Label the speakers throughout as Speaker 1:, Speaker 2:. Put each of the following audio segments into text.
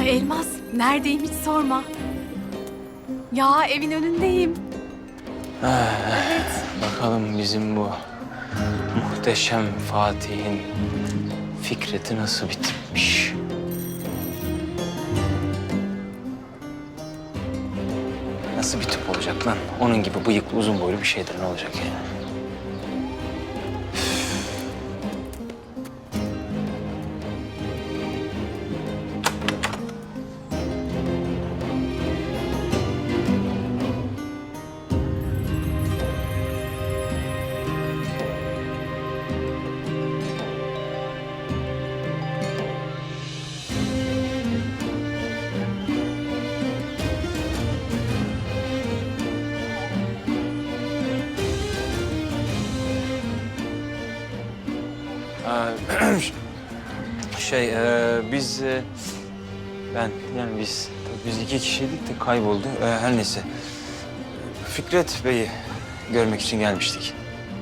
Speaker 1: Ay Elmas, neredeyim hiç sorma. Ya evin önündeyim. Evet.
Speaker 2: Bakalım bizim bu muhteşem Fatih'in Fikret'i nasıl bitmiş? Nasıl bir tip olacak lan? Onun gibi bıyıklı, uzun boylu bir şeydir, ne olacak yani? Biz biz iki kişiydik de kayboldu. Her neyse. Fikret Bey'i görmek için gelmiştik.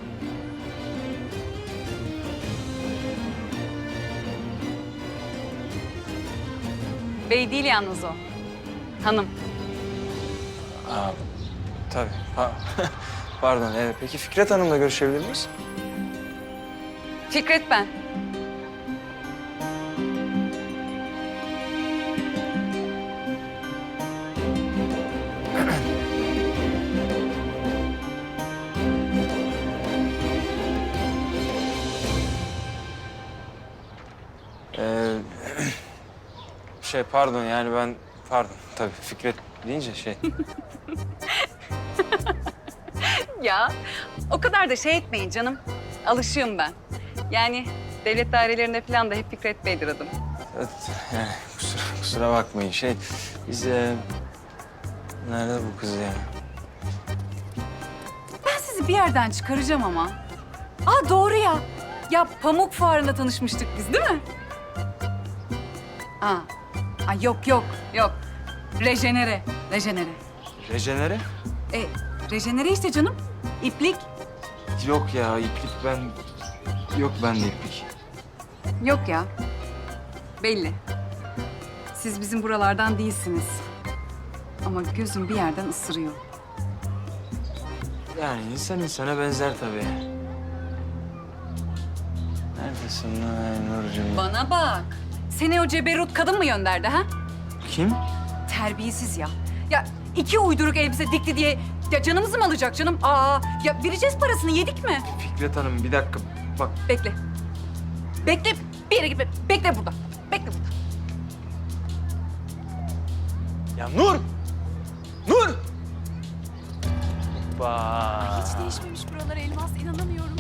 Speaker 3: Bey değil yalnız o. Hanım.
Speaker 2: Tabii. Pardon. Peki Fikret Hanım'la görüşebilir miyiz?
Speaker 3: Fikret ben.
Speaker 2: Pardon yani pardon tabii Fikret deyince
Speaker 3: Ya o kadar da şey etmeyin canım. Alışığım ben. Yani devlet dairelerinde falan da hep Fikret Bey'dir adım.
Speaker 2: Evet, yani kusura bakmayın biz nerede bu kız ya?
Speaker 3: Ben sizi bir yerden çıkaracağım ama. Aa doğru ya. Ya Pamuk Fuarı'nda tanışmıştık biz değil mi? Yok. Rejenere.
Speaker 2: Rejenere?
Speaker 3: Rejenere işte canım. İplik.
Speaker 2: Yok ya iplik yok bende iplik.
Speaker 3: Yok ya. Belli. Siz bizim buralardan değilsiniz. Ama gözüm bir yerden ısırıyor.
Speaker 2: Yani insan insana benzer tabii. Neredesin lan Nurcuğum?
Speaker 3: Bana bak. Seni o ceberut kadın mı gönderdi ha?
Speaker 2: Kim?
Speaker 3: Terbiyesiz ya. Ya iki uyduruk elbise dikti diye ya canımızı mı alacak canım? Ya vereceğiz parasını yedik mi?
Speaker 2: Fikret Hanım bir dakika bak.
Speaker 3: Bekle. Bekle. Bir yere gitme. Bekle burada. Bekle burada.
Speaker 2: Ya Nur! Nur! Hoppa!
Speaker 1: Hiç değişmemiş buralar Elmas, inanamıyorum.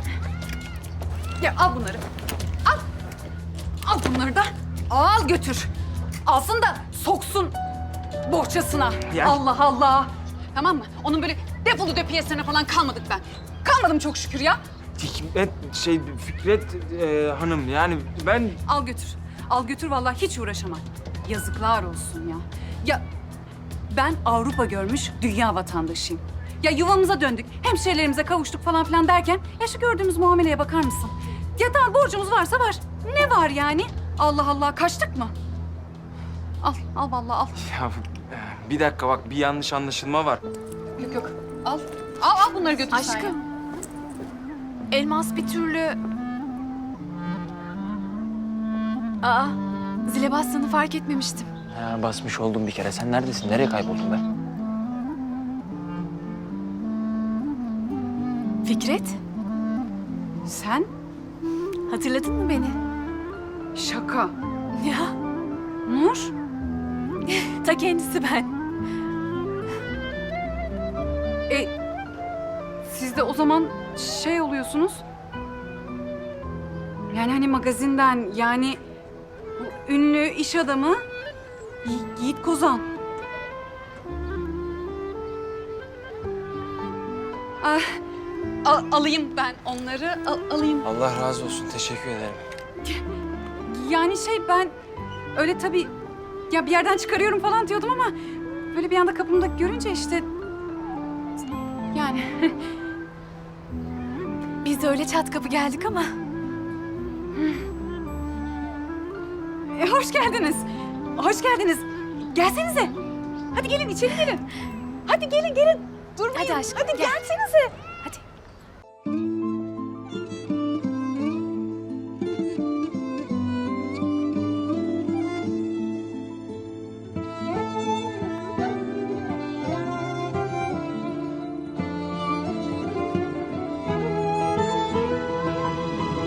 Speaker 3: Ya al bunları. Al. Al bunları da. Al götür. Alsın da soksun bohçasına.
Speaker 2: Ya.
Speaker 3: Allah Allah. Tamam mı? Onun böyle defolu döpiyesine falan kalmadık ben. Kalmadım çok şükür ya.
Speaker 2: Fikret Hanım yani ben...
Speaker 3: Al götür. Al götür vallahi hiç uğraşamam. Yazıklar olsun ya. Ya ben Avrupa görmüş dünya vatandaşıyım. Ya yuvamıza döndük, hemşehrilerimize kavuştuk falan filan derken ya şu gördüğümüz muameleye bakar mısın? Ya tamam borcumuz varsa var. Ne var yani? Allah Allah kaçtık mı? Al vallahi al.
Speaker 2: Ya bir dakika bak bir yanlış anlaşılma var.
Speaker 3: Yok. Al bunları götür sen ya.
Speaker 1: Aşkım. Elmas bir türlü... Zile bastığını fark etmemiştim.
Speaker 2: Basmış oldum bir kere. Sen neredesin? Nereye kayboldun be?
Speaker 1: Fikret,
Speaker 3: Sen?
Speaker 1: hatırladın mı beni?
Speaker 3: Şaka.
Speaker 1: Ya,
Speaker 3: Nur?
Speaker 1: ta kendisi ben.
Speaker 3: Siz de o zaman şey oluyorsunuz. Yani hani magazinden yani bu ünlü iş adamı Yiğit Kozan. Alayım ben onları alayım.
Speaker 2: Allah razı olsun. Teşekkür ederim.
Speaker 3: Yani ben öyle tabii ya bir yerden çıkarıyorum falan diyordum ama böyle bir anda kapımda görünce işte yani
Speaker 1: Biz de öyle çat kapı geldik ama.
Speaker 3: hoş geldiniz. Hoş geldiniz. Gelsenize. Hadi gelin içeri gelin. Hadi gelin. Durmayın.
Speaker 1: Hadi aşkım,
Speaker 3: Hadi
Speaker 1: gel.
Speaker 3: gelsenize.